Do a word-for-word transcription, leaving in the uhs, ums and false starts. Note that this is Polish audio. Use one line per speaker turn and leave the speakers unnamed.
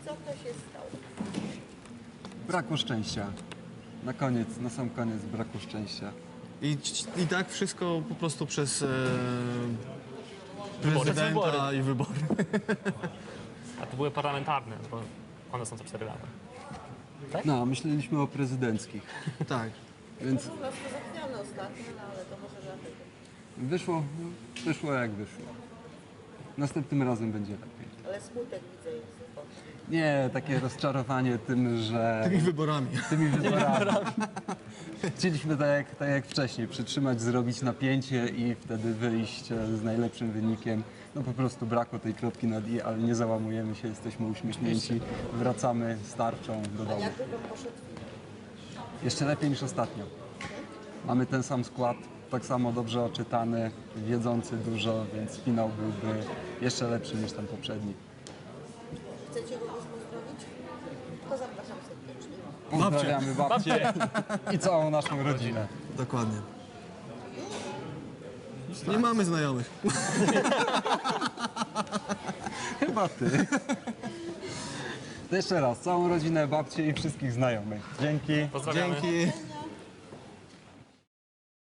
Co to się stało?
Braku szczęścia. Na koniec, na sam koniec braku szczęścia.
I, I tak wszystko po prostu przez e,
Wybory.
prezydenta i wybory.
A to były parlamentarne, bo one są co cztery lata.
No, myśleliśmy o prezydenckich,
Tak.
więc
U nas to zachwiane ostatnio, no ale to może dlatego.
wyszło, wyszło jak wyszło. Następnym razem będzie lepiej.
Ale smutek widzę jest.
Nie, takie rozczarowanie tym, że
Tymi wyborami.
tymi wyborami. Chcieliśmy tak jak, tak jak wcześniej, przytrzymać, zrobić napięcie i wtedy wyjść e, z najlepszym wynikiem. No po prostu brakło tej kropki nad i, ale nie załamujemy się, jesteśmy uśmiechnięci, wracamy z tarczą do domu.
Jakby wam poszedł
Jeszcze lepiej niż ostatnio. Mamy ten sam skład, tak samo dobrze oczytany, wiedzący dużo, więc finał byłby jeszcze lepszy niż ten poprzedni.
Chcecie kogoś pozdrowić? To zapraszam serdecznie.
Pozdrawiamy babcię i całą naszą rodzinę.
Dokładnie. Nie mamy znajomych.
Chyba ty. To jeszcze raz, całą rodzinę, babcię i wszystkich znajomych. Dzięki.
Pozdrawiamy.
Dzięki.